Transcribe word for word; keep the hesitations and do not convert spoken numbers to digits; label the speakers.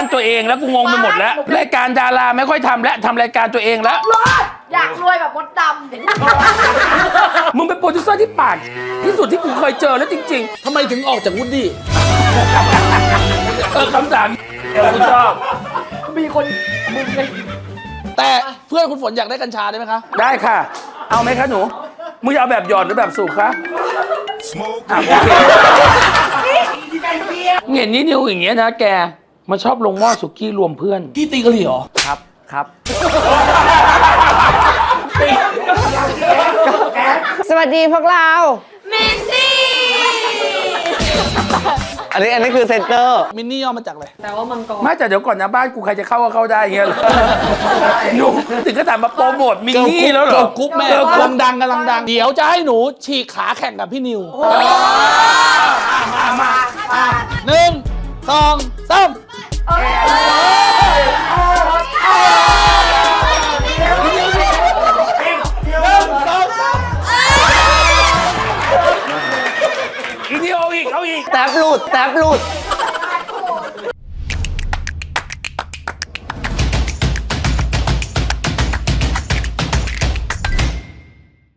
Speaker 1: ตัวเองแล้วกูงงไปหมดแล้วรายการดาราไม่ค่อยทำแล้วทำรายการตัวเองแล้ว
Speaker 2: อยากรวยแบบมดดำ
Speaker 1: มึงเป็นโปรดิวเซอร์ที่ปากที่สุดที่กูเคยเจอแล้วจริงๆ
Speaker 3: ทำไมถึงออกจากวูดดี้
Speaker 1: เออคำถามเออกูชอบ
Speaker 2: มีคนมึงเลย
Speaker 3: แต่เพื่อนคุณฝนอยากได้กัญชาได้ไหมคะ
Speaker 1: ได้ค่ะ เอาไหมคะหนูมึงจะเอาแบบหยอดหรือแบบสูบคะอ่ะโอเคเห็นนี่นิวอย่างเงี้ยนะแกมันชอบลงหม้อสุกี้รวมเพื่อน
Speaker 3: พี่ตีกะหรี่เหรอ
Speaker 1: ครับครับ
Speaker 4: สวัสดีพวกเรา
Speaker 2: เมนซี่
Speaker 4: อันนี้อันนี้คือเซนเตอร์
Speaker 3: มินนี่ย่อมาจากอะไร
Speaker 2: แต่ว่ามังกร
Speaker 1: ไม่แต่เดี๋ยวก่อนนะบ้านกูใครจะเข้าก็เข้าได้เงี้ยเหรอหนูถึงก็ถามมาโปรโมทมินนี่แล้วเหรอ
Speaker 3: เกิร์ลกรุ๊ปแม่กำลังดังกำลังดัง เดี๋ยวจะให้หนูฉีกขาแข่งกับพี่นิว
Speaker 1: มามามา
Speaker 3: หนึ่งสองสาม
Speaker 1: อีนี่เอาอีกเอาอีก
Speaker 4: แท็บหลุดแท็บหลุด